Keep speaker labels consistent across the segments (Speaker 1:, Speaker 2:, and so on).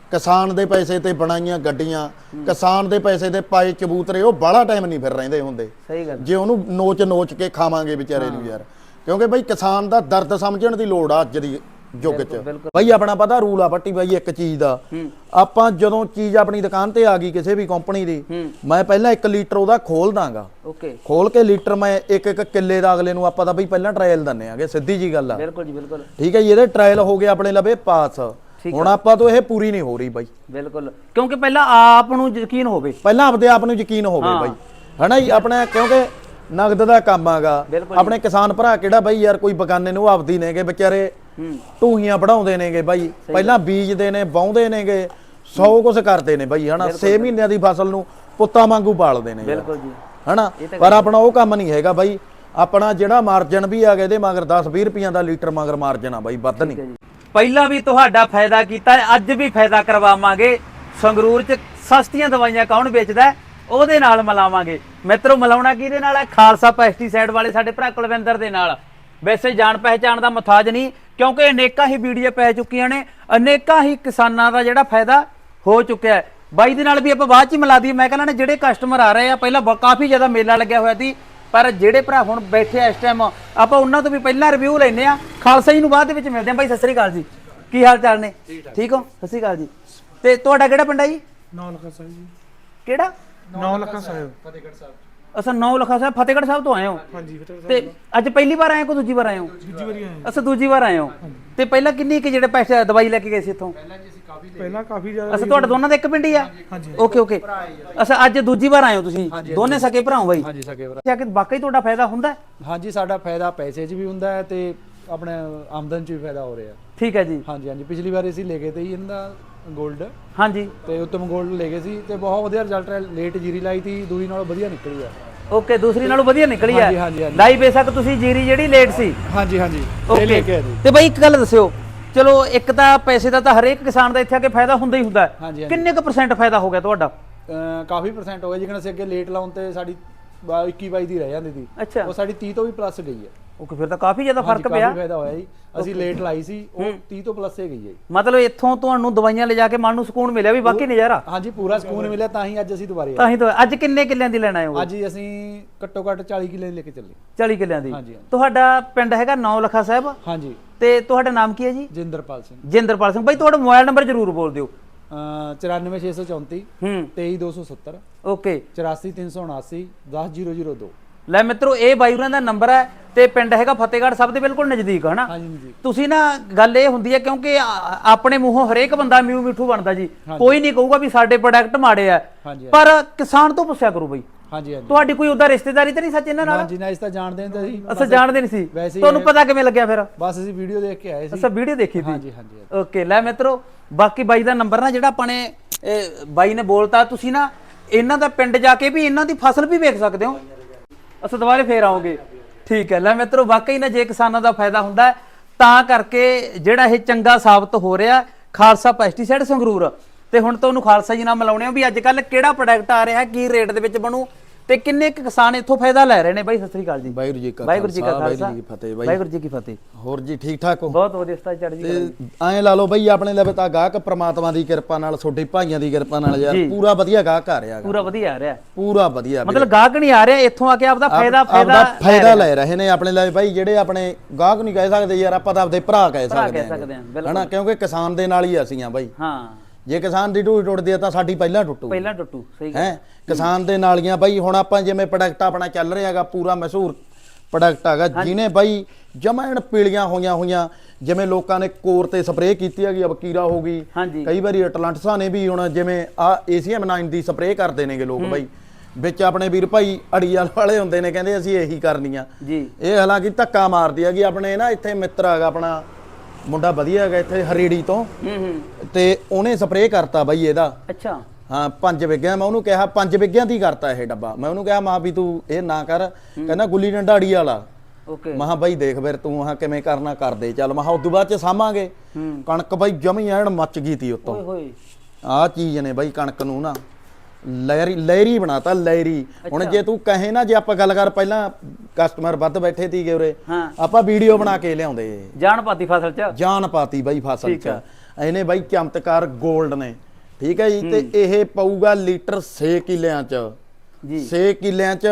Speaker 1: किसान दे पैसे ते बनाइयां गड्डियां किसान दे पैसे ते पाए कबूतरे ਉਹ ਬਾਹਲਾ ਟਾਈਮ ਨਹੀਂ ਫਿਰ ਰਹਿੰਦੇ ਹੁੰਦੇ
Speaker 2: ਸਹੀ ਗੱਲ
Speaker 1: ਜੇ ਉਹਨੂੰ ਨੋਚ ਕੇ ਖਾਵਾਂਗੇ ਵਿਚਾਰੇ ਨੂੰ ਯਾਰ ਕਿਉਂਕਿ ਬਈ ਕਿਸਾਨ ਦਾ ਦਰਦ ਸਮਝਣ ਦੀ ਲੋੜ ਆ ਅੱਜ ਦੀ ਯੁੱਗ 'ਚ ਬਈ ਆਪਣਾ ਪਤਾ ਰੂਲ ਆ ਪੱਟੀ ਬਾਈ ਇੱਕ ਚੀਜ਼ ਦਾ ਆਪਾਂ ਜਦੋਂ ਚੀਜ਼ ਆਪਣੀ ਦੁਕਾਨ ਤੇ ਆ ਗਈ ਕਿਸੇ ਵੀ ਕੰਪਨੀ ਦੀ ਮੈਂ ਪਹਿਲਾਂ 1 ਲੀਟਰ ਉਹਦਾ ਖੋਲ ਦਾਂਗਾ
Speaker 2: ਓਕੇ
Speaker 1: ਖੋਲ ਕੇ ਲੀਟਰ ਮੈਂ ਇੱਕ ਕਿੱਲੇ ਦਾ ਅਗਲੇ ਨੂੰ ਆਪਾਂ ਤਾਂ ਬਈ ਪਹਿਲਾਂ ਟ੍ਰਾਇਲ ਦਿੰਨੇ ਆਗੇ ਸਿੱਧੀ ਜੀ ਗੱਲ ਆ
Speaker 2: ਬਿਲਕੁਲ ਜੀ ਬਿਲਕੁਲ ਠੀਕ
Speaker 1: ਹੈ ਜੀ ਇਹਦੇ ਟ੍ਰਾਇਲ ਹੋ ਗਏ ਆਪਣੇ ਲਵੇ ਪਾਸ ਹੁਣ ਆਪਾਂ ਤੋਂ ਇਹ ਪੂਰੀ ਨਹੀਂ ਹੋ ਰਹੀ ਬਾਈ
Speaker 2: ਬਿਲਕੁਲ ਕਿਉਂਕਿ ਪਹਿਲਾਂ ਆਪ ਨੂੰ ਯਕੀਨ ਹੋਵੇ
Speaker 1: ਪਹਿਲਾਂ ਆਪਦੇ ਆਪ ਨੂੰ ਯਕੀਨ ਹੋਵੇ ਬਾਈ ਹਨਾ ਜੀ ਆਪਣਾ ਕਿਉਂਕਿ ਨਗਦ ਦਾ ਕੰਮ ਆਗਾ ਆਪਣੇ ਕਿਸਾਨ ਭਰਾ ਕਿਹੜਾ ਬਾਈ ਯਾਰ ਕੋਈ ਬਗਾਨੇ ਨੂੰ ਆਪਦੀ ਨੇਗੇ ਵਿਚਾਰੇ ਢੂਹੀਆਂ ਵਢਾਉਂਦੇ ਨੇਗੇ ਬਾਈ ਪਹਿਲਾਂ ਬੀਜਦੇ ਨੇ ਵਾਹੁੰਦੇ ਨੇਗੇ 100 ਕੁਝ ਕਰਦੇ ਨੇ ਬਾਈ ਹਨਾ 6 ਮਹੀਨਿਆਂ ਦੀ ਫਸਲ ਨੂੰ ਪੁੱਤਾਂ ਵਾਂਗੂ ਪਾਲਦੇ ਨੇ
Speaker 2: ਬਿਲਕੁਲ ਜੀ
Speaker 1: ਹਨਾ ਪਰ ਆਪਣਾ ਉਹ ਕੰਮ ਨਹੀਂ ਹੈਗਾ ਬਾਈ ਆਪਣਾ ਜਿਹੜਾ ਮਾਰਜਨ ਵੀ ਆ ਗਿਆ ਇਹਦੇ ਮਗਰ 10-20 ਰੁਪਈਆਂ ਦਾ ਲੀਟਰ ਮਗਰ ਮਾਰਜਨ ਆ ਬਾਈ ਵੱਧ ਨਹੀਂ
Speaker 2: ਪਹਿਲਾਂ ਵੀ ਤੁਹਾਡਾ ਫਾਇਦਾ ਕੀਤਾ ਅੱਜ ਵੀ ਫਾਇਦਾ ਕਰਵਾਵਾਂਗੇ ਸੰਗਰੂਰ 'ਚ ਸਸਤੀਆਂ ਦਵਾਈਆਂ ਕੌਣ ਵੇਚਦਾ ਉਹਦੇ ਨਾਲ ਮਿਲਾਵਾਂਗੇ ਮਿੱਤਰੋ ਮਿਲਾਉਣਾ ਕਿਹਦੇ ਨਾਲ ਹੈ ਖਾਲਸਾ ਪੈਸਟੀਸਾਈਡ ਵਾਲੇ ਸਾਡੇ ਭਰਾ ਕੁਲਵਿੰਦਰ ਦੇ ਨਾਲ ਵੈਸੇ ਜਾਣ ਪਹਿਚਾਣ ਦਾ ਮੁਤਾਜ ਨਹੀਂ ਕਿਉਂਕਿ ਅਨੇਕਾਂ ਹੀ ਵੀਡੀਓ ਪੈ ਚੁੱਕੀਆਂ ਨੇ ਅਨੇਕਾਂ ਹੀ ਕਿਸਾਨਾਂ ਦਾ ਜਿਹੜਾ ਫਾਇਦਾ ਹੋ ਚੁੱਕਿਆ ਹੈ ਬਾਈ ਦੇ ਨਾਲ ਵੀ ਆਪਾਂ ਬਾਅਦ ਚ ਮਿਲਾ ਦਈਏ ਮੈਂ ਕਹਿੰਦਾ ਜਿਹੜੇ ਕਸਟਮਰ ਆ ਰਹੇ ਆ ਪਹਿਲਾਂ ਕਾਫੀ ਜ਼ਿਆਦਾ ਮੇਲਾ ਲੱਗਿਆ ਹੋਇਆ ਸੀ ਪਰ ਜਿਹੜੇ ਭਰਾ ਹੁਣ ਬੈਠੇ ਆ ਇਸ ਟਾਈਮ ਆਪਾਂ ਉਹਨਾਂ ਤੋਂ ਵੀ ਪਹਿਲਾਂ ਰਿਵਿਊ ਲੈਨੇ ਆ ਖਾਲਸਾ ਜੀ ਨੂੰ ਬਾਅਦ ਦੇ ਵਿੱਚ ਮਿਲਦੇ ਆ ਬਾਈ ਸਤਿ ਸ੍ਰੀ ਅਕਾਲ ਜੀ ਕੀ ਹਾਲ ਚਾਲ ਨੇ ਠੀਕ ਹੋ ਸਤਿ ਸ੍ਰੀ ਅਕਾਲ ਜੀ ਤੇ ਤੁਹਾਡਾ ਕਿਹੜਾ ਪਿੰਡ ਆ ਜੀ
Speaker 3: 9 ਲੱਖਾ ਸਾਹਿਬ ਜੀ
Speaker 2: ਕਿਹੜਾ
Speaker 3: 9 ਲੱਖਾ ਸਾਹਿਬ ਫਤਿਹਗੜ੍ਹ ਸਾਹਿਬ
Speaker 2: ਅਸਾਂ 9 ਲੱਖਾ ਸਾਹਿਬ ਫਤਿਹਗੜ੍ਹ ਸਾਹਿਬ ਤੋਂ ਆਏ ਹੋ
Speaker 3: ਹਾਂਜੀ ਫਤਿਹਗੜ੍ਹ
Speaker 2: ਤੇ ਅੱਜ ਪਹਿਲੀ ਵਾਰ ਆਏ ਕੋ ਦੂਜੀ ਵਾਰ ਆਏ ਹੋ
Speaker 3: ਦੂਜੀ ਵਾਰੀ ਆਏ
Speaker 2: ਅਸਾਂ ਦੂਜੀ ਵਾਰ ਆਏ ਹੋ ਤੇ ਪਹਿਲਾਂ ਕਿੰਨੀ ਕਿ ਜਿਹੜੇ ਪੈਸੇ ਦਵਾਈ ਲੈ ਕੇ ਗਏ ਸੀ ਇੱਥੋਂ
Speaker 3: ਪਹਿਲਾਂ ਕਾਫੀ ਜ਼ਿਆਦਾ
Speaker 2: ਅਸਾਂ ਤੁਹਾਡੇ ਦੋਨਾਂ ਦਾ ਇੱਕ ਪਿੰਡ ਹੀ ਆ
Speaker 3: ਹਾਂਜੀ
Speaker 2: ਓਕੇ ਓਕੇ ਅਸਾਂ ਅੱਜ ਦੂਜੀ ਵਾਰ ਆਏ ਹੋ ਤੁਸੀਂ ਦੋਨੇ ਸਕੇ ਭਰਾ ਹੋ ਬਾਈ
Speaker 4: ਹਾਂਜੀ ਸਕੇ ਭਰਾ
Speaker 2: ਕਿਹਾ ਕਿ ਵਾਕਈ ਤੁਹਾਡਾ ਫਾਇਦਾ ਹੁੰਦਾ
Speaker 4: ਹਾਂਜੀ ਸਾਡਾ ਫਾਇਦਾ ਪੈਸੇ 'ਚ ਵੀ ਹੁੰਦਾ ਹੈ ਤੇ ਆਪਣੇ ਆਮਦਨ 'ਚ ਵੀ ਫਾਇਦਾ ਹੋ ਰਿਹਾ
Speaker 2: ਠੀਕ ਹੈ ਜੀ
Speaker 4: ਹਾਂਜੀ ਹਾਂਜੀ ਪਿਛਲੀ ਵਾਰ ਅਸੀਂ ਲੈ ਗਏ ਤੇ ਇਹਨਾਂ ਦਾ 골ਡ
Speaker 2: ਹਾਂਜੀ
Speaker 4: ਤੇ ਉੱਤਮ 골ਡ ਲੈ ਗਏ ਸੀ ਤੇ ਬਹੁਤ ਵਧੀਆ ਰਿਜ਼ਲਟ ਹੈ ਲੇਟ ਜੀਰੀ ਲਾਈ ਤੀ ਦੂਜੀ ਨਾਲੋਂ ਵਧੀਆ ਨਿਕਲੀ ਆ
Speaker 2: ਓਕੇ ਦੂਸਰੀ ਨਾਲੋਂ ਵਧੀਆ ਨਿਕਲੀ ਆ
Speaker 4: ਹਾਂਜੀ
Speaker 2: ਲਾਈ ਬੇਸ਼ੱਕ ਤੁਸੀਂ ਜੀਰੀ ਜਿਹੜੀ ਲੇਟ ਸੀ
Speaker 4: ਹਾਂਜੀ ਹਾਂਜੀ ਇਹ ਲੈ ਕੇ ਆਏ ਜੀ
Speaker 2: ਤੇ ਬਾਈ ਇੱਕ ਗੱਲ ਦੱਸਿਓ ਚਲੋ ਇੱਕ ਤਾਂ ਪੈਸੇ ਦਾ ਤਾਂ ਹਰੇਕ ਕਿਸਾਨ ਦਾ ਇੱਥੇ ਆ ਕੇ ਫਾਇਦਾ ਹੁੰਦਾ ਹੀ ਹੁੰਦਾ
Speaker 4: ਹਾਂਜੀ
Speaker 2: ਕਿੰਨੇ ਕੁ % ਫਾਇਦਾ ਹੋ ਗਿਆ ਤੁਹਾਡਾ
Speaker 4: ਕਾਫੀ % ਹੋ ਗਿਆ ਜਿਵੇਂ ਅਸੀਂ ਅੱਗੇ ਲੇਟ ਲਾਉਣ ਤੇ ਸਾਡੀ 21-22 ਦੀ ਰਹਿ ਜਾਂਦੀ ਸੀ
Speaker 2: ਅੱਛਾ
Speaker 4: ਉਹ ਸਾਡੀ 30 ਤੋਂ ਵੀ ਪਲੱਸ ਗਈ ਹੈ
Speaker 2: ਓਕੇ ਫਿਰ ਤਾਂ ਕਾਫੀ ਜ਼ਿਆਦਾ ਫਰਕ ਪਿਆ
Speaker 4: ਕਾਫੀ ਫਾਇਦਾ ਹੋਇਆ ਜੀ ਅਸੀਂ ਲੇਟ ਲਾਈ ਸੀ ਉਹ 30 ਤੋਂ ਪਲੱਸ ਹੀ ਗਈ ਹੈ
Speaker 2: ਮਤਲਬ ਇੱਥੋਂ ਤੁਹਾਨੂੰ ਦਵਾਈਆਂ ਲਿਜਾ ਕੇ ਮਨ ਨੂੰ ਸਕੂਨ ਮਿਲਿਆ ਵੀ ਬਾਕੀ ਨਜ਼ਾਰਾ
Speaker 4: ਹਾਂਜੀ ਪੂਰਾ ਸਕੂਨ ਮਿਲਿਆ ਤਾਂ ਹੀ ਅੱਜ ਅਸੀਂ ਦੁਬਾਰੇ
Speaker 2: ਤਾਂ ਹੀ ਤਾਂ ਅੱਜ ਕਿੰਨੇ ਕਿੱਲਿਆਂ ਦੀ ਲੈਣ ਆਏ ਹੋ
Speaker 4: ਅੱਜ ਅਸੀਂ ਘੱਟੋ ਘੱਟ 40 ਕਿੱਲੇ ਲੈ ਕੇ ਚੱਲੇ
Speaker 2: 40 ਕਿੱਲਿਆਂ ਦੀ
Speaker 4: ਹਾਂਜੀ
Speaker 2: ਤੁਹਾਡਾ ਪਿੰਡ ਹੈਗਾ 9 ਲੱਖਾ ਸਾਹਿਬ
Speaker 4: ਹਾਂਜੀ
Speaker 2: ਤੇ ਤੁਹਾਡਾ ਨਾਮ ਕੀ ਹੈ ਜੀ
Speaker 4: ਜਿੰਦਰਪਾਲ ਸਿੰਘ
Speaker 2: ਜਿੰਦਰਪਾਲ ਸਿੰਘ ਬਾਈ ਤੁਹਾਡਾ ਮੋਬਾਈਲ ਨੰਬਰ ਜ਼ਰੂਰ ਬੋਲ ਦਿਓ
Speaker 4: 94634 23270
Speaker 2: ਓਕੇ
Speaker 4: 84379 10002
Speaker 2: ਲੈ ਮਿੱਤਰੋ ਇਹ ਬਾਈ ਹੋਰਾਂ ਦਾ ਨੰਬਰ ਹੈ ਤੇ ਪਿੰਡ ਹੈਗਾ ਫਤਿਹਗੜ੍ਹ ਸਾਹਿਬ ਦੇ ਬਿਲਕੁਲ ਨਜ਼ਦੀਕ ਹਨਾ
Speaker 4: ਹਾਂਜੀ
Speaker 2: ਤੁਸੀਂ ਨਾ ਗੱਲ ਇਹ ਹੁੰਦੀ ਹੈ ਕਿਉਂਕਿ ਆਪਣੇ ਮੂੰਹੋਂ ਹਰੇਕ ਬੰਦਾ ਮਿਊ ਮਿੱਠੂ ਬਣਦਾ ਜੀ ਕੋਈ ਨਹੀਂ ਕਹੂਗਾ ਵੀ ਸਾਡੇ ਪ੍ਰੋਡਕਟ ਮਾੜੇ ਆ ਪਰ ਕਿਸਾਨ ਤੋਂ ਪੁੱਛਿਆ ਕਰੋ ਬਾਈ
Speaker 4: ਹਾਂਜੀ ਹਾਂਜੀ
Speaker 2: ਤੁਹਾਡੀ ਕੋਈ ਉਹਦਾ ਰਿਸ਼ਤੇਦਾਰੀ ਤਾਂ ਨਹੀਂ ਸੱਚ ਇਹਨਾਂ ਨਾਲ
Speaker 4: ਹਾਂਜੀ ਨਾ ਇਸ ਤਾਂ ਜਾਣਦੇ ਨਹੀਂ ਤਾਂ ਸੀ
Speaker 2: ਅਸਾਂ ਜਾਣਦੇ ਨਹੀਂ ਸੀ ਤੁਹਾਨੂੰ ਪਤਾ ਕਿਵੇਂ ਲੱਗਿਆ ਫਿਰ
Speaker 4: ਬਸ ਅਸੀਂ ਵੀਡੀਓ ਦੇਖ ਕੇ ਆਏ ਸੀ
Speaker 2: ਅਸਾਂ ਵੀਡੀਓ ਦੇਖੀ ਸੀ
Speaker 4: ਹਾਂਜੀ ਹਾਂਜੀ
Speaker 2: ਓਕੇ ਲੈ ਮਿੱਤਰੋ ਬਾਕੀ ਬਾਈ ਦਾ ਨੰਬਰ ਨਾ ਜਿਹੜਾ ਆਪਾਂ ਨੇ ਬਾਈ ਨੇ ਬੋਲਤਾ ਤੁਸੀਂ ਨਾ ਇਹਨਾਂ ਦਾ ਪਿੰਡ ਜਾ ਕੇ ਵੀ ਇਹਨਾਂ ਦੀ ਫਸਲ ਵੀ ਵੇਖ ਸਕਦੇ ਹੋ ਅਸਾਂ ਦੁਬਾਰੇ ਫੇਰ ਆਉਂਗੇ ਠੀਕ ਹੈ ਲੈ ਮਿੱਤਰੋ ਵਾਕਈ ਨਾ ਜੇ ਕਿਸਾਨਾਂ ਦਾ ਫਾਇਦਾ ਹੁੰਦਾ ਤਾਂ ਕਰਕੇ ਜਿਹੜਾ ਇਹ ਚੰਗਾ ਸਾਬਤ ਹੋ ਰਿਹਾ ਖਾਲਸਾ ਪੈਸਟੀਸਾਈਡ ਸੰਗਰੂਰ ਤੇ ਹੁਣ ਤੁਹਾਨੂੰ ਖਾਲਸਾ ਜੀ ਨਾਲ ਮਿਲਾਉਣੇ ਆ ਵੀ ਅੱਜ ਕੱਲ ਕਿਹੜਾ ਪ੍ਰੋਡਕਟ ਆ ਰਿਹਾ ਕੀ ਰੇਟ ਦੇ ਵਿੱਚ ਬਣੂ ਤੇ ਕਿੰਨੇ ਕਿਸਾਨ ਇੱਥੋਂ ਫਾਇਦਾ ਲੈ ਰਹੇ ਨੇ ਬਾਈ ਸਤਿ ਸ੍ਰੀ ਅਕਾਲ ਜੀ
Speaker 1: ਵਾਹਿਗੁਰੂ ਜੀ ਕਾ
Speaker 2: ਖਾਲਸਾ
Speaker 1: ਫਤਿਹ ਬਾਈ
Speaker 2: ਵਾਹਿਗੁਰੂ ਜੀ ਕੀ ਫਤਿਹ
Speaker 1: ਹੋਰ ਜੀ ਠੀਕ ਠਾਕ ਹੋ
Speaker 2: ਬਹੁਤ ਵਧੀਆ ਸਤਾ ਚੜ੍ਹਦੀ ਕਲਾ
Speaker 1: ਐਂ ਲਾ ਲਓ ਬਈ ਆਪਣੇ ਲਵੇ ਤਾਂ ਗਾਹਕ ਪ੍ਰਮਾਤਮਾ ਦੀ ਕਿਰਪਾ ਨਾਲ ਛੋਟੇ ਭਾਈਆਂ ਦੀ ਕਿਰਪਾ ਨਾਲ ਯਾਰ ਪੂਰਾ ਵਧੀਆ ਗਾਹਕ ਆ ਰਿਹਾ
Speaker 2: ਪੂਰਾ ਵਧੀਆ ਆ ਰਿਹਾ
Speaker 1: ਪੂਰਾ ਵਧੀਆ
Speaker 2: ਮਤਲਬ ਗਾਹਕ ਨਹੀਂ ਆ ਰਿਹਾ ਇੱਥੋਂ ਆ ਕੇ ਆਪਦਾ
Speaker 1: ਫਾਇਦਾ ਲੈ ਰਹੇ ਨੇ ਆਪਣੇ ਲਈ ਬਾਈ ਜਿਹੜੇ ਆਪਣੇ ਗਾਹਕ ਨਹੀਂ ਕਹਿ ਸਕਦੇ ਯਾਰ ਆਪਾਂ ਤਾਂ ਆਪਦੇ ਭਰਾ ਕਹਿ ਸਕਦੇ ਹਾਂ ਹਨਾ ਕਿਉਂਕਿ ਕਿਸਾਨ ਦੇ ਨਾਲ ਹੀ ਅਸੀਂ ਆ ਬਾਈ
Speaker 2: ਹਾਂ
Speaker 1: ਜੇ ਕਿਸਾਨ ਦੀ ਢੂਹੀ ਟੁੱਟਦੀ ਆ ਤਾਂ ਸਾਡੀ ਪਹਿਲਾਂ ਟੁੱਟੂ
Speaker 2: ਸਹੀ
Speaker 1: ਹੈ ਕਿਸਾਨ ਦੇ ਨਾਲੀਆਂ ਬਾਈ ਹੁਣ ਆਪਾਂ ਜਿਵੇਂ ਪ੍ਰੋਡਕਟ ਆਪਣਾ ਚੱਲ ਰਿਹਾ ਹੈਗਾ ਪੂਰਾ ਮਸ਼ਹੂਰ ਪ੍ਰੋਡਕਟ ਹੈਗਾ ਜਿਹਨੇ ਬਾਈ ਜਮਾਇਣ ਪੀਲੀਆਂ ਹੋਈਆਂ ਜਿਵੇਂ ਲੋਕਾਂ ਨੇ ਕੋਰ ਤੇ ਸਪਰੇਅ ਕੀਤੀ ਹੈਗੀ ਅਬਕੀਰਾ ਹੋ ਗਈ ਕਈ ਵਾਰੀ ਅਟਲਾਂਟਸਾਂ ਨੇ ਵੀ ਹੁਣ ਜਿਵੇਂ ਆ ACM 9 ਦੀ ਸਪਰੇਅ ਕਰਦੇ ਨੇਗੇ ਲੋਕ ਬਾਈ ਵਿੱਚ ਆਪਣੇ ਵੀਰ ਭਾਈ ਅੜੀਆਲ ਵਾਲੇ ਹੁੰਦੇ ਨੇ ਕਹਿੰਦੇ ਅਸੀਂ ਇਹੀ ਕਰਨੀ ਆ ਇਹ ਹਾਲਾਂਕਿ ਧੱਕਾ ਮਾਰਦੀ ਹੈਗੀ ਆਪਣੇ ਨਾ ਇੱਥੇ ਮਿੱਤਰ ਹੈਗਾ ਆਪਣਾ ਮੁੰਡਾ ਵਧੀਆ ਹੈਗਾ ਇੱਥੇ ਹਰੀੜੀ ਤੋਂ ਤੇ ਉਹਨੇ ਸਪਰੇਅ ਕਰਤਾ ਬਾਈ ਇਹਦਾ
Speaker 2: ਅੱਛਾ
Speaker 1: ਹਾਂ 5 ਵਿਗਿਆਂ ਮੈਂ ਉਹਨੂੰ ਕਿਹਾ 5 ਵਿਗਿਆਂ ਦੀ ਕਰਤਾ ਇਹ ਡੱਬਾ ਮੈਂ ਉਹਨੂੰ ਕਿਹਾ ਮਾਂ ਵੀ ਤੂੰ ਇਹ ਨਾ ਕਰ ਕਹਿੰਦਾ ਗੁੱਲੀ ਡੰਡਾ ਅੜੀ ਵਾਲਾ
Speaker 2: ਓਕੇ
Speaker 1: ਮਹਾ ਬਾਈ ਦੇਖ ਫਿਰ ਤੂੰ ਆਹ ਕਿਵੇਂ ਕਰਨਾ ਕਰਦੇ ਚੱਲ ਮਹਾ ਉਦੋਂ ਬਾਅਦ ਚ ਸਾਂਭਾਂਗੇ ਕਣਕ ਬਾਈ ਜਮੀ ਐਨ ਮੱਚ ਗਈ ਤੀ ਉੱਤੋਂ ਆਹ ਚੀਜ਼ ਨੇ ਬਾਈ ਕਣਕ ਨੂੰ ਨਾ ਲਹਿਰੀ ਬਣਾਤਾ ਲਹਿਰੀ ਹੁਣ ਜੇ ਤੂੰ ਕਹੇ ਨਾ ਜੇ ਆਪਾਂ ਗੱਲ ਕਰ ਪਹਿਲਾਂ ਕਸਟਮਰ ਵੱਧ ਬੈਠੇ ਸੀਗੇ ਉਰੇ ਆਪਾਂ ਵੀਡੀਓ ਬਣਾ ਕੇ ਲਿਆਉਂਦੇ
Speaker 2: ਜਾਨ ਪਾਤੀ ਫਸਲ ਚ
Speaker 1: ਜਾਨ ਪਾਤੀ ਬਾਈ ਫਸਲ ਚ ਇਹਨੇ ਬਾਈ ਚਮਤਕਾਰ 골ਡ ਨੇ, ਠੀਕ ਹੈ ਜੀ। ਤੇ ਇਹ ਪਊਗਾ ਲੀਟਰ 6 ਕਿੱਲਿਆਂ ਚ
Speaker 2: ਜੀ
Speaker 1: 6 ਕਿੱਲਿਆਂ ਚ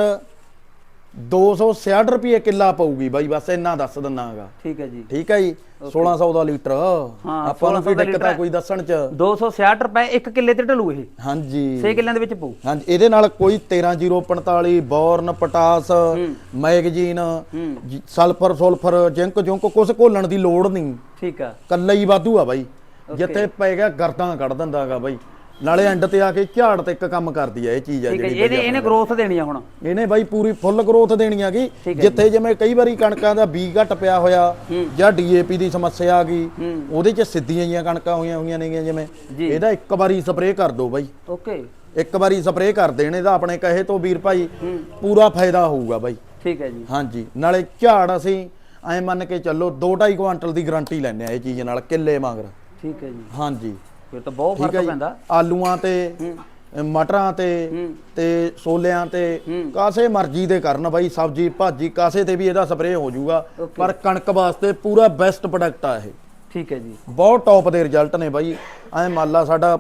Speaker 1: 266 ਰੁਪਏ ਕਿੱਲਾ ਪਊਗੀ ਬਾਈ, ਬਸ ਇੰਨਾ ਦੱਸ ਦਿੰਨਾਗਾ।
Speaker 2: ਠੀਕ ਹੈ ਜੀ,
Speaker 1: ਠੀਕ ਹੈ ਜੀ। 1600 ਦਾ ਲੀਟਰ
Speaker 2: ਹਾਂ,
Speaker 1: ਆਪਾਂ ਨੂੰ
Speaker 2: 1600
Speaker 1: ਕੋਈ
Speaker 2: ਦਾ
Speaker 1: ਦਿੱਕਤ ਆ
Speaker 2: ਲੀਟਰ
Speaker 1: ਕੋਈ ਦੱਸਣ ਚ?
Speaker 2: 266 ਰੁਪਏ 1 ਕਿੱਲੇ ਤੇ ਢਲੂ ਇਹ,
Speaker 1: ਹਾਂਜੀ
Speaker 2: 6 ਕਿੱਲਿਆਂ ਦੇ ਵਿੱਚ ਪਊ।
Speaker 1: ਹਾਂਜੀ। ਇਹਦੇ ਨਾਲ ਕੋਈ 13045 ਬੋਰਨ ਪਟਾਸ ਮੈਗਜ਼ੀਨ ਸਲਫਰ ਸੁਲਫਰ ਜਿੰਕ ਜੁੰਕ ਕੁਛ ਘੋਲਣ ਦੀ ਲੋੜ ਨਹੀਂ,
Speaker 2: ਠੀਕ ਆ,
Speaker 1: ਕੱਲਾ ਹੀ ਵਾਧੂ ਆ ਬਾਈ। ਜਿੱਥੇ ਪੈ ਗਿਆ ਗਰਦਾਂ ਕੱਢ ਦਿੰਦਾਗਾ ਬਾਈ, ਨਾਲੇ ਐਂਡ ਤੇ ਆ ਕੇ ਝਾੜ ਤੇ ਇੱਕ ਕੰਮ ਕਰਦੀ ਆ ਇਹ ਚੀਜ਼ ਆ
Speaker 2: ਠੀਕ ਹੈ।
Speaker 1: ਜਿਹੜੀ
Speaker 2: ਇਹਨੇ ਗਰੋਥ ਦੇਣੀ ਆ ਹੁਣ,
Speaker 1: ਇਹਨੇ ਬਾਈ ਪੂਰੀ ਫੁੱਲ ਗਰੋਥ ਦੇਣੀ ਆਗੀ। ਜਿੱਥੇ ਜਿਵੇਂ ਕਈ ਵਾਰੀ ਕਣਕਾਂ ਦਾ ਬੀ ਘਟ ਪਿਆ ਹੋਇਆ ਜਾਂ ਡੀਏਪੀ ਦੀ ਸਮੱਸਿਆ ਆ ਗਈ, ਉਹਦੇ ਚ ਸਿੱਧੀਆਂ ਜੀਆਂ ਕਣਕਾਂ ਹੋਈਆਂ ਨੇਗੀਆਂ ਜਿਵੇਂ, ਇਹਦਾ ਇੱਕ ਵਾਰੀ ਸਪਰੇਅ ਕਰ ਦੋ ਬਾਈ,
Speaker 2: ਓਕੇ,
Speaker 1: ਇੱਕ ਵਾਰੀ ਸਪਰੇਅ ਕਰ ਦੇਣ ਇਹਦਾ ਆਪਣੇ ਕਹੇ ਤੋਂ ਵੀਰ ਭਾਈ ਪੂਰਾ ਫਾਇਦਾ ਹੋਊਗਾ ਬਾਈ।
Speaker 2: ਠੀਕ ਹੈ ਜੀ,
Speaker 1: ਹਾਂਜੀ। ਨਾਲੇ ਝਾੜ ਅਸੀਂ ਐ ਮੰਨ ਕੇ ਚੱਲੋ 2.5 ਕੁਆਂਟਲ ਦੀ ਗਾਰੰਟੀ ਲੈਂਦੇ ਆ ਇਹ ਚੀਜ਼ ਨਾਲ ਕਿੱਲੇ ਮਗਰ।
Speaker 2: ਠੀਕ ਹੈ ਜੀ,
Speaker 1: ਹਾਂਜੀ
Speaker 2: ਫਿਰ ਤਾਂ ਬਹੁਤ
Speaker 1: ਠੀਕ ਹੈ
Speaker 2: ਫਰਕ
Speaker 1: ਜੀ।
Speaker 2: ਪੈਂਦਾ
Speaker 1: ਆਲੂਆਂ ਤੇ ਮਟਰਾਂ ਤੇ ਛੋਲਿਆਂ ਤੇ ਕਾਸੇ ਮਰਜ਼ੀ ਦੇ ਕਰਨ ਬਾਈ, ਸਬਜ਼ੀ ਭਾਜੀ ਕਾਸੇ ਤੇ ਵੀ ਇਹਦਾ ਸਪਰੇਅ ਹੋ ਜਾਊਗਾ। ਪਰ ਕਣਕ ਵਾਸਤੇ ਪੂਰਾ ਬੈਸਟ ਪ੍ਰੋਡਕਟ ਆ ਇਹ,
Speaker 2: ਠੀਕ ਹੈ ਜੀ,
Speaker 1: ਬਹੁਤ ਟੌਪ ਦੇ ਰਿਜ਼ਲਟ ਨੇ ਬਾਈ। ਐ ਮੰਨ ਲਾ ਸਾਡਾ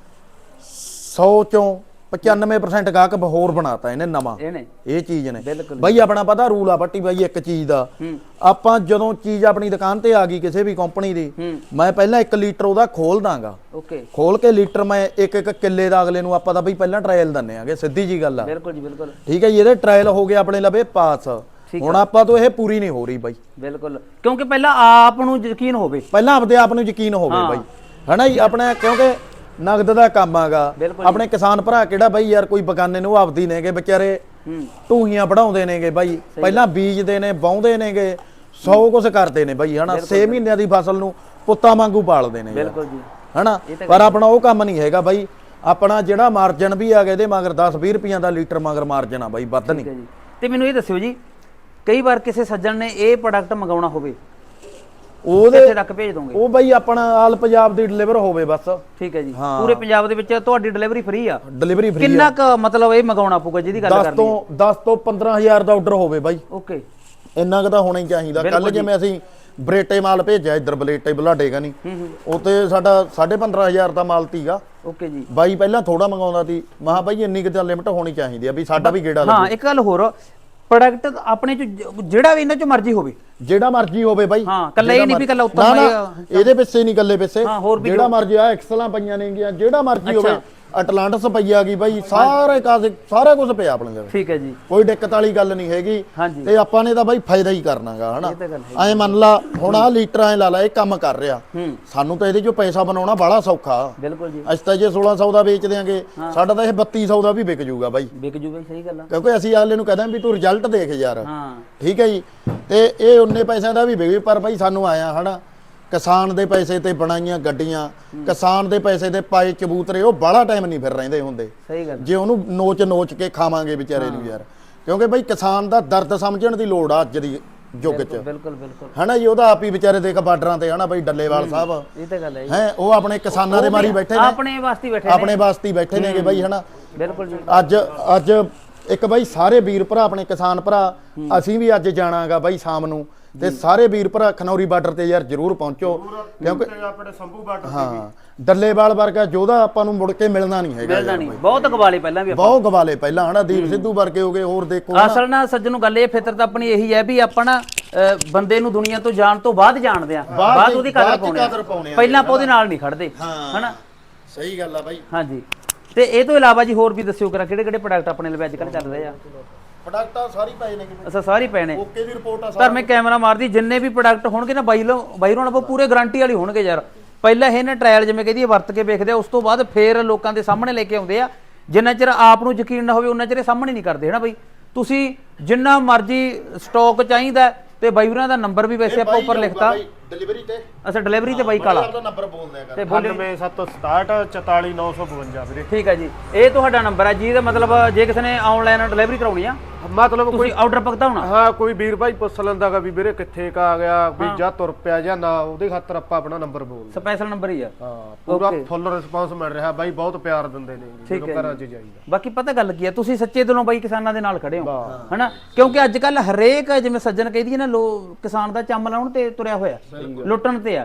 Speaker 1: 100 ਚੋਂ 95% ਗਾਹਕ ਹੋਰ ਬਣਾਤਾ ਇਹਨੇ ਨਵਾਂ,
Speaker 2: ਇਹਨੇ
Speaker 1: ਇਹ ਚੀਜ਼ ਨੇ
Speaker 2: ਬਿਲਕੁਲ
Speaker 1: ਬਾਈ। ਆਪਣਾ ਪਤਾ ਰੂਲ ਆ ਬੱਟੀ ਬਾਈ ਇੱਕ ਚੀਜ਼ ਦਾ, ਆਪਾਂ ਜਦੋਂ ਚੀਜ਼ ਆਪਣੀ ਦੁਕਾਨ ਤੇ ਆ ਗਈ ਕਿਸੇ ਵੀ ਕੰਪਨੀ ਦੀ, ਮੈਂ ਪਹਿਲਾਂ 1 ਲੀਟਰ ਉਹਦਾ ਖੋਲ ਦਾਂਗਾ,
Speaker 2: ਓਕੇ,
Speaker 1: ਖੋਲ ਕੇ ਲੀਟਰ ਮੈਂ ਇੱਕ ਕਿੱਲੇ ਦਾ ਅਗਲੇ ਨੂੰ ਆਪਾਂ ਤਾਂ ਬਈ ਪਹਿਲਾਂ ਟ੍ਰਾਇਲ ਦਿੰਨੇ ਆਗੇ, ਸਿੱਧੀ ਜੀ ਗੱਲ ਆ।
Speaker 2: ਬਿਲਕੁਲ ਜੀ, ਬਿਲਕੁਲ,
Speaker 1: ਠੀਕ ਹੈ ਜੀ। ਇਹਦੇ ਟ੍ਰਾਇਲ ਹੋ ਗਏ ਆਪਣੇ ਲਵੇ ਪਾਸ, ਹੁਣ ਆਪਾਂ ਤੋਂ ਇਹ ਪੂਰੀ ਨਹੀਂ ਹੋ ਰਹੀ ਬਾਈ।
Speaker 2: ਬਿਲਕੁਲ, ਕਿਉਂਕਿ ਪਹਿਲਾਂ ਆਪ ਨੂੰ ਯਕੀਨ ਹੋਵੇ,
Speaker 1: ਪਹਿਲਾਂ ਆਪਦੇ ਆਪ ਨੂੰ ਯਕੀਨ ਹੋਵੇ ਬਾਈ, ਹਨਾ ਜੀ। ਆਪਣਾ ਕਿਉਂਕਿ ਨਗਦ ਦਾ ਕੰਮ ਆਗਾ, ਆਪਣੇ ਕਿਸਾਨ ਭਰਾ ਕਿਹੜਾ ਬਾਈ ਯਾਰ ਕੋਈ ਬਗਾਨੇ ਨੂੰ ਆਪਦੀ ਨੇਗੇ ਵਿਚਾਰੇ, ਢੂਹੀਆਂ ਵਢਾਉਂਦੇ ਨੇਗੇ ਬਾਈ, ਪਹਿਲਾਂ ਬੀਜਦੇ ਨੇ ਵਾਹੁੰਦੇ ਨੇਗੇ 100 ਕੁਝ ਕਰਦੇ ਨੇ ਬਾਈ, ਹਨਾ। 6 ਮਹੀਨਿਆਂ ਦੀ ਫਸਲ ਨੂੰ ਪੁੱਤਾਂ ਵਾਂਗੂ ਪਾਲਦੇ ਨੇ,
Speaker 2: ਬਿਲਕੁਲ ਜੀ,
Speaker 1: ਹਨਾ। ਪਰ ਆਪਣਾ ਉਹ ਕੰਮ ਨਹੀਂ ਹੈਗਾ ਬਾਈ, ਆਪਣਾ ਜਿਹੜਾ ਮਾਰਜਨ ਵੀ ਆ ਗਿਆ ਇਹਦੇ ਮਗਰ 10-20 ਰੁਪਈਆਂ ਦਾ ਲੀਟਰ ਮਗਰ ਮਾਰਜਨ ਆ ਬਾਈ, ਵੱਧ ਨਹੀਂ।
Speaker 2: ਤੇ ਮੈਨੂੰ ਇਹ ਦੱਸਿਓ ਜੀ, ਕਈ ਵਾਰ ਕਿਸੇ ਸੱਜਣ ਨੇ ਇਹ ਪ੍ਰੋਡਕਟ ਮੰਗਾਉਣਾ ਹੋਵੇ,
Speaker 1: ਉਹਦੇ
Speaker 2: ਕਿੱਥੇ ਤੱਕ ਭੇਜ ਦੋਗੇ?
Speaker 1: ਉਹ ਬਾਈ ਆਪਣਾ ਆਲ ਪੰਜਾਬ ਦੀ ਡਿਲੀਵਰ ਹੋਵੇ ਬਸ।
Speaker 2: ਠੀਕ ਹੈ ਜੀ, ਪੂਰੇ ਪੰਜਾਬ ਦੇ ਵਿੱਚ ਤੁਹਾਡੀ ਡਿਲੀਵਰੀ ਫ੍ਰੀ ਆ?
Speaker 1: Delivery free.
Speaker 2: ਕਿੰਨਾ ਕ ਮਤਲਬ ਇਹ ਮੰਗਾਉਣਾ ਪਊਗਾ ਜਿਹਦੀ ਗੱਲ ਕਰਨੀ?
Speaker 1: 10 ਤੋਂ 15000 ਦਾ ਆਰਡਰ ਹੋਵੇ ਬਾਈ,
Speaker 2: ਓਕੇ,
Speaker 1: ਇੰਨਾ ਕੁ ਤਾਂ ਹੋਣਾ ਹੀ ਚਾਹੀਦਾ। ਕੱਲ ਜਿਵੇਂ ਅਸੀਂ ਬਰੇਟੇ ਮਾਲ ਭੇਜਿਆ ਇੱਧਰ ਬਲੇਟੇ ਬੁਲਾਡੇਗਾ ਨਹੀਂ, ਉੱਤੇ ਸਾਡਾ 15000 ਦਾ ਮਾਲ ਤੀਗਾ।
Speaker 2: ਓਕੇ ਜੀ।
Speaker 1: ਬਾਈ ਪਹਿਲਾਂ ਥੋੜਾ ਮੰਗਾਉਂਦਾ ਸੀ, ਮਹਾ ਬਾਈ ਇੰਨੀ ਕੁ ਤਾਂ ਲਿਮਟ ਹੋਣੀ ਚਾਹੀਦੀ ਆ ਵੀ ਸਾਡਾ ਵੀ ਗੇੜਾ ਲੱਗੇ।
Speaker 2: ਹਾਂ, ਇੱਕ ਗੱਲ ਹੋਰ, ਪ੍ਰੋਡਕਟ ਆਪਣੇ ਚ ਜਿਹੜਾ ਵੀ ਇਹਨਾਂ ਚ ਮਰਜ਼ੀ ਹੋਵੇ,
Speaker 1: ਜਿਹੜਾ ਮਰਜ਼ੀ ਹੋਵੇ ਬਾਈ।
Speaker 2: ਹਾਂ, ਕੱਲਾ ਇਹ ਨਹੀਂ ਵੀ ਕੱਲਾ ਉੱਤਮ
Speaker 1: ਇਹਦੇ ਪਿੱਛੇ ਨਹੀਂ ਕੱਲੇ ਪਿੱਛੇ,
Speaker 2: ਹੋਰ ਵੀ
Speaker 1: ਜਿਹੜਾ ਮਰਜ਼ੀ ਆ ਐਕਸਲਾਂ ਪਈਆਂ ਨੇਗੀਆਂ, ਜਿਹੜਾ ਮਰਜ਼ੀ ਹੋਵੇ। ਅਟਲਾਂਟਸ ਪਈ ਆ ਗਈ ਬਾਈ, ਸਾਰਾ ਕੁਝ ਪਿਆ ਆਪਣੇ ਕੋਲ।
Speaker 2: ਠੀਕ ਹੈ ਜੀ,
Speaker 1: ਕੋਈ ਦਿੱਕਤ ਵਾਲੀ ਗੱਲ ਨਹੀਂ ਹੈਗੀ। ਤੇ ਆਪਾਂ ਨੇ ਤਾਂ ਬਾਈ ਫਾਇਦਾ ਹੀ ਕਰਨਾਗਾ, ਹਨਾ। ਐ ਮੰਨ ਲਾ ਹੁਣ ਆ ਲੀਟਰ ਐ ਲਾ ਲਾ ਇਹ ਕੰਮ ਕਰ ਰਿਹਾ, ਸਾਨੂੰ ਤਾਂ ਇਹਦੇ ਚੋਂ ਪੈਸਾ ਬਣਾਉਣਾ ਬੜਾ ਸੌਖਾ।
Speaker 2: ਬਿਲਕੁਲ ਜੀ।
Speaker 1: ਅਸੀਂ ਤਾਂ ਜੇ 1600 ਦਾ ਵੇਚ ਦਿਆਂਗੇ, ਸਾਡਾ ਤਾਂ ਇਹ 3200 ਦਾ ਵੀ ਵਿਕ ਜੂਗਾ ਬਾਈ,
Speaker 2: ਵਿਕ ਜੂ ਬਾਈ, ਸਹੀ ਗੱਲ ਆ।
Speaker 1: ਕਿਉਂਕਿ ਅਸੀਂ ਅਗਲੇ ਨੂੰ ਕਹਿੰਦੇ ਵੀ ਤੂੰ ਰਿਜ਼ਲਟ ਦੇਖ ਯਾਰ,
Speaker 2: ਹਾਂ,
Speaker 1: ਠੀਕ ਹੈ ਜੀ। ਤੇ ਇਹ ਉਨੇ ਪੈਸਿਆਂ ਦਾ ਵੀ ਵਿਕੇ, ਪਰ ਬਾਈ ਸਾਨੂੰ ਆਇਆ, ਹਨਾ, ਕਿਸਾਨ ਦੇ ਪੈਸੇ ਤੇ ਬਣਾਈਆਂ ਗੱਡੀਆਂ, ਕਿਸਾਨ ਦੇ ਪੈਸੇ ਤੇ ਪਾਏ ਕਬੂਤਰੇ, ਉਹ ਬਾਹਲਾ ਟਾਈਮ ਨਹੀਂ ਫਿਰ ਰਹਿੰਦੇ ਹੁੰਦੇ।
Speaker 2: ਸਹੀ ਗੱਲ।
Speaker 1: ਜੇ ਉਹਨੂੰ ਨੋਚ ਕੇ ਖਾਵਾਂਗੇ ਵਿਚਾਰੇ ਨੂੰ ਯਾਰ, ਕਿਉਂਕਿ ਬਾਈ ਕਿਸਾਨ ਦਾ ਦਰਦ ਸਮਝਣ ਦੀ ਲੋੜ ਆ ਅੱਜ ਦੀ ਯੁੱਗ 'ਚ,
Speaker 2: ਬਿਲਕੁਲ ਬਿਲਕੁਲ,
Speaker 1: ਹਨਾ ਜੀ। ਉਹਦਾ ਆਪ ਹੀ ਵਿਚਾਰੇ ਦੇਖ ਬਾਰਡਰਾਂ ਤੇ, ਹਨਾ ਬਾਈ ਡੱਲੇਵਾਲ ਸਾਹਿਬ,
Speaker 2: ਇਹ ਤਾਂ ਗੱਲ ਹੈ
Speaker 1: ਹੈ ਉਹ ਆਪਣੇ ਕਿਸਾਨਾਂ ਦੇ ਮਾਰੀ ਬੈਠੇ ਨੇ,
Speaker 2: ਆਪਣੇ ਵਾਸਤੇ ਬੈਠੇ ਨੇ,
Speaker 1: ਆਪਣੇ ਵਾਸਤੇ ਹੀ ਬੈਠੇ ਨੇਗੇ ਬਾਈ, ਹਨਾ।
Speaker 2: ਬਿਲਕੁਲ ਜੀ।
Speaker 1: ਅੱਜ ਇੱਕ ਬਾਈ ਸਾਰੇ ਵੀਰ ਭਰਾ ਆਪਣੇ ਕਿਸਾਨ ਭਰਾ, ਅਸੀਂ ਵੀ ਅੱਜ ਜਾਣਾਗਾ ਬਾਈ ਸ਼ਾਮ ਨੂੰ, ਤੇ ਸਾਰੇ ਵੀਰ ਭਰਾ ਖਨੌਰੀ ਬਾਰਡਰ ਤੇ ਯਾਰ ਜਰੂਰ ਪਹੁੰਚੋ, ਕਿਉਂਕਿ
Speaker 3: ਆਪਣੇ ਸੰਭੂ ਬਾਰਡਰ
Speaker 1: ਹਾਂ ਡੱਲੇਵਾਲ ਵਰਗਾ ਯੋਧਾ ਆਪਾਂ ਨੂੰ ਮੁੜ ਕੇ ਮਿਲਣਾ ਨਹੀਂ ਹੈਗਾ,
Speaker 2: ਮਿਲਣਾ ਨਹੀਂ। ਬਹੁਤ ਗਵਾਲੇ ਪਹਿਲਾਂ ਵੀ,
Speaker 1: ਬਹੁਤ ਗਵਾਲੇ ਪਹਿਲਾਂ, ਹਨਾ। ਦੀਪ ਸਿੱਧੂ ਵਰਗੇ ਹੋ ਗਏ, ਹੋਰ ਦੇਖੋ।
Speaker 2: ਅਸਲ ਨਾਲ ਸੱਜਣ ਨੂੰ ਗੱਲ ਇਹ, ਫਿਤਰਤ ਆਪਣੀ ਇਹੀ ਹੈ ਵੀ ਆਪਾਂ ਨਾ ਬੰਦੇ ਨੂੰ ਦੁਨੀਆ ਤੋਂ ਜਾਣ ਤੋਂ ਬਾਅਦ ਜਾਣਦੇ ਆ, ਬਾਅਦ ਉਹਦੀ ਕਦਰ ਪਾਉਣੇ ਆ, ਪਹਿਲਾਂ ਆਪਾਂ ਉਹਦੇ ਨਾਲ ਨਹੀਂ ਖੜਦੇ, ਹਨਾ।
Speaker 1: ਸਹੀ ਗੱਲ ਆ ਬਾਈ।
Speaker 2: ਹਾਂਜੀ। ਤੇ ਇਹ ਤੋਂ ਇਲਾਵਾ ਜੀ ਹੋਰ ਵੀ ਦੱਸਿਓ ਕਰਾ ਕਿਹੜੇ ਕਿਹੜੇ ਪ੍ਰੋਡਕਟ ਆਪਣੇ ਲਈ ਅੱਜ ਕੱਲ ਚੱਲ ਰਹੇ ਆ?
Speaker 1: ਪ੍ਰੋਡਕਟ ਆ ਸਾਰੀ ਪਏ ਨੇ,
Speaker 2: ਅੱਛਾ, ਸਾਰੇ ਪਏ ਨੇ,
Speaker 1: ਓਕੇ ਦੀ ਰਿਪੋਰਟ ਆ।
Speaker 2: ਪਰ ਮੈਂ ਕੈਮਰਾ ਮਾਰਦੀ, ਜਿੰਨੇ ਵੀ ਪ੍ਰੋਡਕਟ ਹੋਣਗੇ ਨਾ ਬਾਈ ਨਾਲ ਪੂਰੇ ਗਾਰੰਟੀ ਵਾਲੀ ਹੋਣਗੇ ਯਾਰ। ਪਹਿਲਾਂ ਇਹਨੇ ਟ੍ਰਾਇਲ ਜਿਵੇਂ ਕਹਿੰਦੀ ਵਰਤ ਕੇ ਵੇਖਦੇ ਆ, ਉਸ ਤੋਂ ਬਾਅਦ ਫੇਰ ਲੋਕਾਂ ਦੇ ਸਾਹਮਣੇ ਲੈ ਕੇ ਆਉਂਦੇ ਆ। ਜਿੰਨਾ ਚਿਰ ਆਪ ਨੂੰ ਯਕੀਨ ਨਾ ਹੋਵੇ ਉਹਨਾਂ ਚਿਰ ਸਾਹਮਣੇ ਨਹੀਂ ਕਰਦੇ, ਹਨਾ ਬਾਈ। ਤੁਸੀਂ ਜਿੰਨਾ ਮਰਜ਼ੀ ਸਟਾਕ ਚਾਹੀਦਾ, ਤੇ ਬਾਈ ਹੋਰਾਂ ਦਾ ਨੰਬਰ ਵੀ ਵੈਸੇ ਆਪਾਂ ਉੱਪਰ ਲਿਖਤਾ,
Speaker 1: ਡਿਲੀਵਰੀ ਤੇ।
Speaker 2: ਅੱਛਾ, ਡਿਲੀਵਰੀ ਤੇ ਬਾਈ ਕਾਲਾ
Speaker 1: ਆਪਦਾ ਨੰਬਰ ਬੋਲਦੇ ਆ
Speaker 2: ਤੇ ਬੋਲੇ
Speaker 3: 9767 44952 ਵੀਰੇ।
Speaker 2: ਠੀਕ ਹੈ ਜੀ, ਇਹ ਤੁਹਾਡਾ ਨੰਬਰ ਹੈ ਜਿਹਦਾ ਮਤਲਬ ਜੇ ਕਿਸੇ ਨੇ ਆਨਲਾਈਨ ਡਿਲੀਵਰੀ ਕਰਾਉਣੀ ਆ,
Speaker 3: ਮਤਲਬ
Speaker 2: ਕੋਈ ਆਰਡਰ ਪਕਦਾ ਹੋਣਾ।
Speaker 3: ਹਾਂ, ਕੋਈ ਵੀਰ ਭਾਈ ਪੁੱਛ ਲੈਂਦਾਗਾ ਵੀ ਵੀਰੇ ਕਿੱਥੇ ਕਾ ਆ ਗਿਆ, ਵੀ ਜਾਂ ਤੁਰ ਪਿਆ ਜਾਂ ਨਾ, ਉਹਦੇ ਖਾਤਰ ਆਪਾਂ ਆਪਣਾ ਨੰਬਰ ਬੋਲਦੇ।
Speaker 2: ਸਪੈਸ਼ਲ ਨੰਬਰ ਹੀ ਆ।
Speaker 3: ਹਾਂ, ਪੂਰਾ ਫੁੱਲ ਰਿਸਪਾਂਸ ਮਿਲ ਰਿਹਾ ਬਾਈ, ਬਹੁਤ ਪਿਆਰ ਦਿੰਦੇ ਨੇ ਜਦੋਂ ਘਰਾਂ 'ਚ ਜਾਈਦਾ।
Speaker 2: ਬਾਕੀ ਪਤਾ ਗੱਲ ਕੀ ਆ, ਤੁਸੀਂ ਸੱਚੇ ਦਿਲੋਂ ਬਾਈ ਕਿਸਾਨਾਂ ਦੇ ਨਾਲ ਖੜੇ ਹੋ, ਹਨਾ। ਕਿਉਂਕਿ ਅੱਜ ਕੱਲ ਹਰੇਕ ਜਿਵੇਂ ਸੱਜਣ ਕਹਿੰਦੀ ਹੈ ਨਾ, ਕਿਸਾਨ ਦਾ ਚੰਮ ਲਾਉਣ ਤੇ ਤੁਰਿਆ ਹੋਇਆ, ਲੁੱਟਣ ਤੇ ਆ।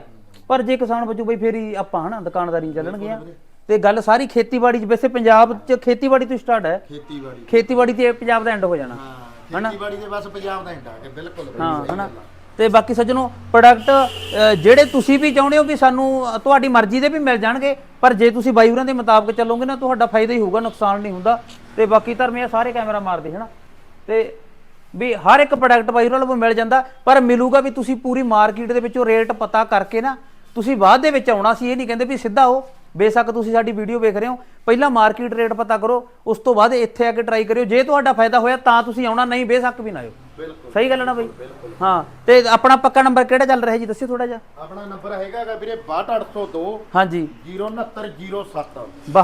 Speaker 2: ਪਰ ਜੇ ਕਿਸਾਨ ਵਜੋਂ ਬਈ ਫੇਰ ਹੀ ਆਪਾਂ ਹਨਾ ਦੁਕਾਨਦਾਰੀ ਚੱਲਣਗੀਆਂ। ਤੇ ਗੱਲ ਸਾਰੀ ਖੇਤੀਬਾੜੀ 'ਚ, ਵੈਸੇ ਪੰਜਾਬ 'ਚ ਖੇਤੀਬਾੜੀ ਤੋਂ ਸਟਾਰਟ ਹੈ। ਖੇਤੀਬਾੜੀ ਤੇ ਪੰਜਾਬ ਦਾ ਐਂਡ ਹੋ ਜਾਣਾ ਹਨਾ।
Speaker 1: ਖੇਤੀਬਾੜੀ ਦੇ ਬਸ ਪੰਜਾਬ ਦਾ ਐਂਡ ਆ ਕੇ ਬਿਲਕੁਲ
Speaker 2: ਹਾਂ ਹਨਾ। ਤੇ ਬਾਕੀ ਸੱਜਣੋ ਪ੍ਰੋਡਕਟ ਜਿਹੜੇ ਤੁਸੀਂ ਵੀ ਚਾਹੁੰਦੇ ਹੋ ਵੀ ਸਾਨੂੰ ਤੁਹਾਡੀ ਮਰਜ਼ੀ ਦੇ ਵੀ ਮਿਲ ਜਾਣਗੇ, ਪਰ ਜੇ ਤੁਸੀਂ ਬਾਈ ਹੋਰਾਂ ਦੇ ਮੁਤਾਬਕ ਚੱਲੋਗੇ ਨਾ ਤੁਹਾਡਾ ਫਾਇਦਾ ਹੀ ਹੋਊਗਾ, ਨੁਕਸਾਨ ਨਹੀਂ ਹੁੰਦਾ। ਤੇ ਬਾਕੀ ਧਰਮੀਆਂ ਸਾਰੇ ਕੈਮਰਾ ਮਾਰਦੇ ਹਨਾ, ਤੇ ਵੀ ਹਰ ਇੱਕ ਪ੍ਰੋਡਕਟ ਬਾਈ ਹੋਰਾਂ ਨੂੰ ਮਿਲ ਜਾਂਦਾ, ਪਰ ਮਿਲੂਗਾ ਵੀ ਤੁਸੀਂ ਪੂਰੀ ਮਾਰਕੀਟ ਦੇ ਵਿੱਚੋਂ ਰੇਟ ਪਤਾ ਕਰਕੇ ਨਾ ਤੁਸੀਂ ਬਾਅਦ ਦੇ ਵਿੱਚ ਆਉਣਾ ਸੀ। ਇਹ ਨਹੀਂ ਕਹਿੰਦੇ ਵੀ ਸਿੱਧਾ ਆਓ, ਬੇਸ਼ੱਕ ਤੁਸੀਂ ਸਾਡੀ ਵੀਡੀਓ ਵੇਖ ਰਹੇ ਹੋ, ਪਹਿਲਾਂ ਮਾਰਕੀਟ ਰੇਟ ਪਤਾ ਕਰੋ, ਉਸ ਤੋਂ ਬਾਅਦ ਇੱਥੇ ਆ ਕੇ ਟਰਾਈ ਕਰਿਓ। ਜੇ ਤੁਹਾਡਾ ਫਾਇਦਾ ਹੋਇਆ ਤਾਂ ਤੁਸੀਂ ਆਉਣਾ, ਨਹੀਂ ਬੇਸ਼ੱਕ ਵੀ ਨਾ ਆਇਓ। ਸਹੀ ਗੱਲ ਹੈ ਨਾ ਬਈ? ਹਾਂ। ਤੇ ਆਪਣਾ ਪੱਕਾ ਨੰਬਰ ਕਿਹੜਾ ਚੱਲ ਰਿਹਾ ਜੀ, ਦੱਸਿਓ ਥੋੜਾ ਜਿਹਾ।
Speaker 1: ਆਪਣਾ ਨੰਬਰ ਹੈਗਾ ਵੀਰੇ 62802
Speaker 2: ਹਾਂਜੀ
Speaker 1: 06907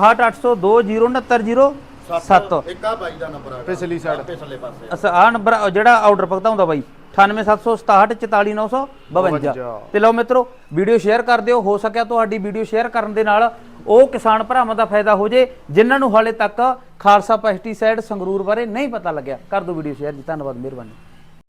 Speaker 2: 62802
Speaker 1: ਇੱਕ ਆ ਬਾਈ ਦਾ ਨੰਬਰ ਹੈਗਾ
Speaker 3: ਪਿਛਲੀ ਸਾਈਡ
Speaker 1: ਪਿਛਲੇ ਪਾਸੇ।
Speaker 2: ਅੱਛਾ ਆਹ ਨੰਬਰ ਜਿਹੜਾ ਆਰਡਰ ਭੁਗਤਾਉਂਦਾ ਬਾਈ 9876644952। ਤੇ ਲਓ ਮਿੱਤਰੋ ਵੀਡੀਓ ਸ਼ੇਅਰ ਕਰ ਦਿਓ, ਹੋ ਸਕਿਆ ਤੁਹਾਡੀ ਵੀਡੀਓ ਸ਼ੇਅਰ ਕਰਨ ਦੇ ਨਾਲ ਉਹ ਕਿਸਾਨ ਭਰਾਵਾਂ ਦਾ ਫਾਇਦਾ ਹੋ ਜੇ ਜਿਨ੍ਹਾਂ ਨੂੰ ਹਾਲੇ ਤੱਕ ਖਾਲਸਾ ਪੈਸਟੀਸਾਈਡ ਸੰਗਰੂਰ ਬਾਰੇ ਨਹੀਂ ਪਤਾ ਲੱਗਿਆ। ਕਰ ਦਿਓ ਵੀਡੀਓ ਸ਼ੇਅਰ ਜੀ। ਧੰਨਵਾਦ, ਮਿਹਰਬਾਨੀ।